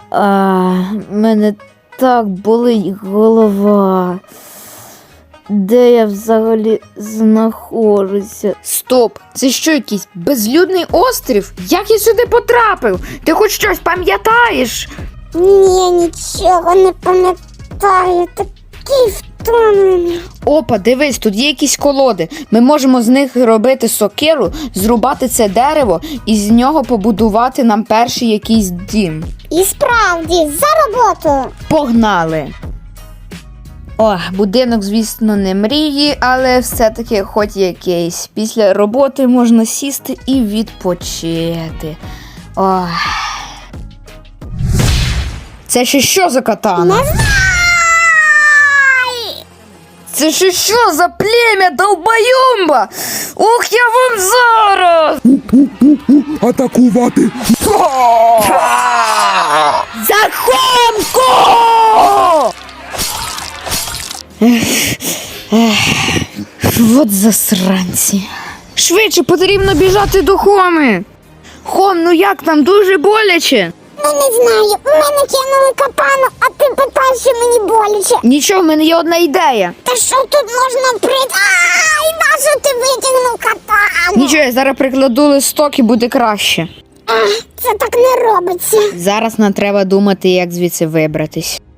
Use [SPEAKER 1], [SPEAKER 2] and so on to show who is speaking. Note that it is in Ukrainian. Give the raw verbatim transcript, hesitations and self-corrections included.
[SPEAKER 1] А, мене так болить голова. Де я взагалі знаходжуся?
[SPEAKER 2] Стоп! Це що, якийсь безлюдний острів? Як я сюди потрапив? Ти хоч щось пам'ятаєш?
[SPEAKER 3] Ні, нічого не пам'ятаю. Такий втомлений.
[SPEAKER 2] Опа, дивись, тут є якісь колоди. Ми можемо з них робити сокиру, зрубати це дерево і з нього побудувати нам перший якийсь дім.
[SPEAKER 3] І справді, за роботу.
[SPEAKER 2] Погнали! О, будинок, звісно, не мрії, але все-таки хоч якийсь. Після роботи можна сісти і відпочити. Ох. Це ще що за катана?
[SPEAKER 3] Не знаю.
[SPEAKER 2] Це ще що за плем'я долбоюмба? Ух, я вам зараз!
[SPEAKER 4] Атакувати!
[SPEAKER 2] Захомку! От засранці. Швидше потрібно біжати до Хоми. Хом, ну як там, дуже боляче?
[SPEAKER 3] Ну не знаю, у мене кинули капану, а ти питаєш, що мені боляче.
[SPEAKER 2] Нічого, в мене є одна ідея.
[SPEAKER 3] Та що тут можна прийти? Ай, нащо ти витягнув капану?
[SPEAKER 2] Нічого, я зараз прикладу листок і буде краще.
[SPEAKER 3] Ах, це так не робиться.
[SPEAKER 2] Зараз нам треба думати, як звідси вибратись.